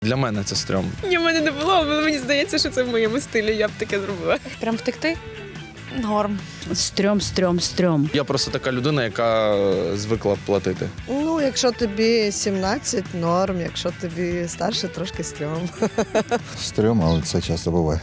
Для мене це стрьом. Ні, в мене не було, але мені здається, що це в моєму стилі, я б таке зробила. Прям втекти? Норм. Стрьом. Я просто така людина, яка звикла платити. Ну, якщо тобі 17 – норм, якщо тобі старше, трошки стрьом. Стрьом, але це часто буває.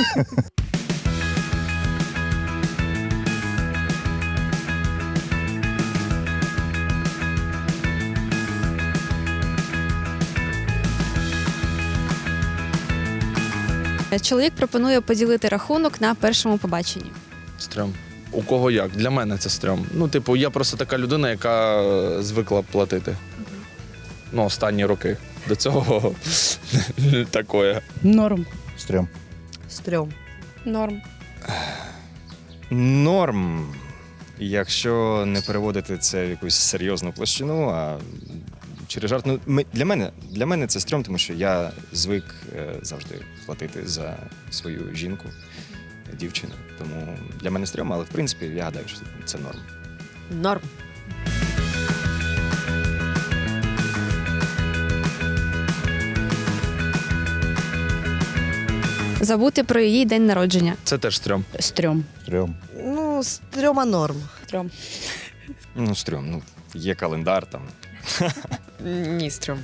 Чоловік пропонує поділити рахунок на першому побаченні. Стрьом. У кого як? Для мене це стрьом. Ну, типу, я просто така людина, яка звикла платити. Ну, останні роки. До цього не такое. Норм. Стрьом. Стрьом. Норм. Норм, якщо не переводити це в якусь серйозну площину, а через жарт. Ну, для мене це стрьом, тому що я звик завжди платити за свою жінку, дівчину. Тому для мене стрьом, але в принципі я гадаю, що це норм. Норм. Забути про її день народження. Це теж стрьом. Стрьом. Стрьом. Ну, стрьома норм. Стрьом. Ну, стрьом, ну, є календар там. Ні, стрьом.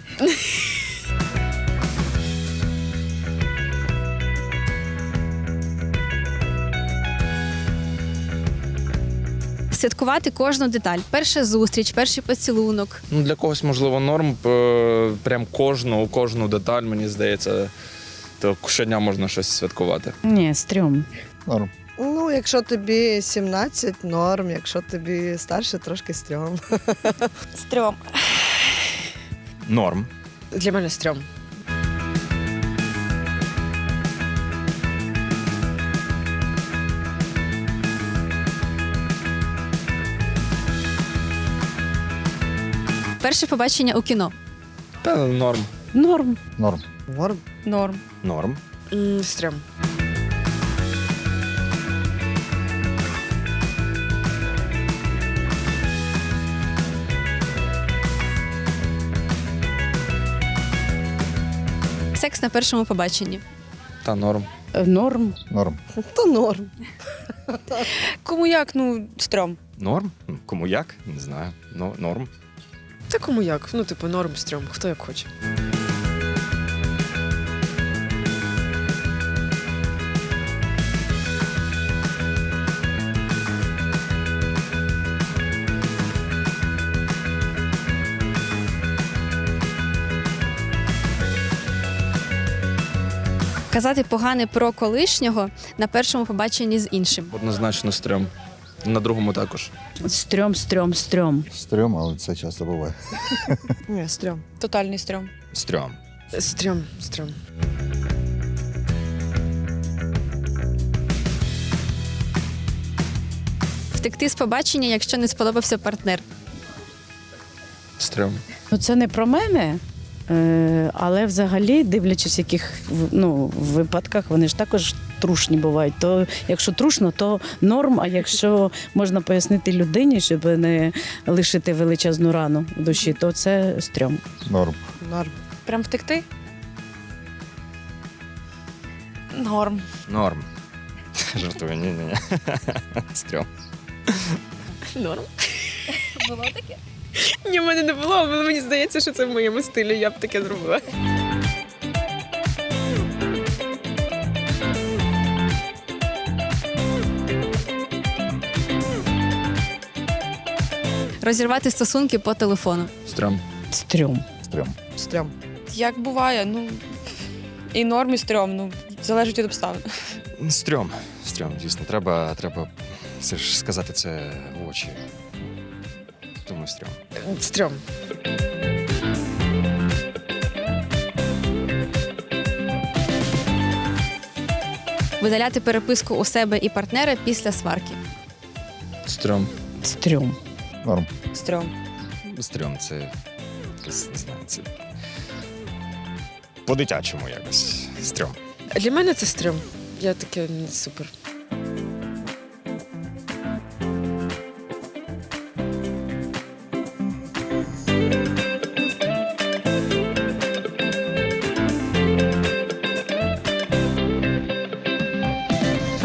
Святкувати кожну деталь. Перша зустріч, перший поцілунок. Ну, для когось, можливо, норм. Прям кожну деталь, мені здається, то щодня можна щось святкувати. Ні, стрьом. Норм. Ну, якщо тобі 17 – норм, якщо тобі старше, трошки стрьом. Стрьом. Норм. Для мене стрьом. Перше побачення у кіно. Та норм. Норм. Норм. Норм. Норм. Норм. Стрьом. Секс на першому побаченні. Та норм. Норм. Норм. То норм. Кому як? Ну, стрьом. Норм? Ну, кому як? Не знаю. Норм. Та кому як? Ну, типу, норм, стрьом, хто як хоче. Казати погане про колишнього на першому побаченні з іншим. Однозначно стрьом. На другому також. Стрьом. Стрьом, але це часто буває. Ні, стрьом. Тотальний стрьом. Стрьом. Стрьом. Втекти з побачення, якщо не сподобався партнер. Стрьом. Ну це не про мене, але взагалі, дивлячись, в яких випадках, вони ж також трушні бувають. То якщо трушно, то норм, а якщо можна пояснити людині, щоб не лишити величезну рану в душі, то це стрьом. Норм. Норм. Прям втекти? Норм. Норм. Жартую, ні. Стрьом. Норм. Було таке? Ні, в мене не було, але мені здається, що це в моєму стилі, я б таке зробила. Розірвати стосунки по телефону. Стрьом. Стрьом. Стрьом. Стрьом. Як буває, ну і норм, і стрьом, ну залежить від обставин. Стрьом, дійсно. Треба все ж сказати це в очі. Тому стрьом. Стрьом. Видаляти переписку у себе і партнера після сварки. Стрьом. Стрьом. Норм. Стрьом. Стрьом це якось, не знаю, це по-дитячому якось. Стрьом. Для мене це стрьом. Я таке супер.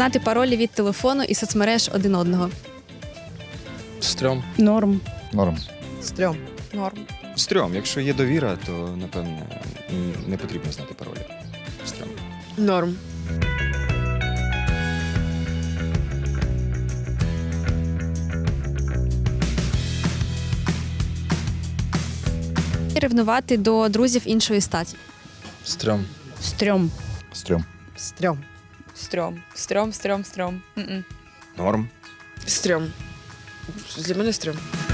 знати паролі від телефону і соцмереж один одного. Стрьом. Норм. Норм. Стрьом. Норм. Стрьом. Якщо є довіра, то напевне не потрібно знати паролі. Стрьом. Норм. Ревнувати до друзів іншої статі. Стрьом. Стрьом. Стрьом. Стрьом. Стрьом. Стрьом, стрьом, стрьом. М-м. Норм. Стрьом. Для мене стрьом.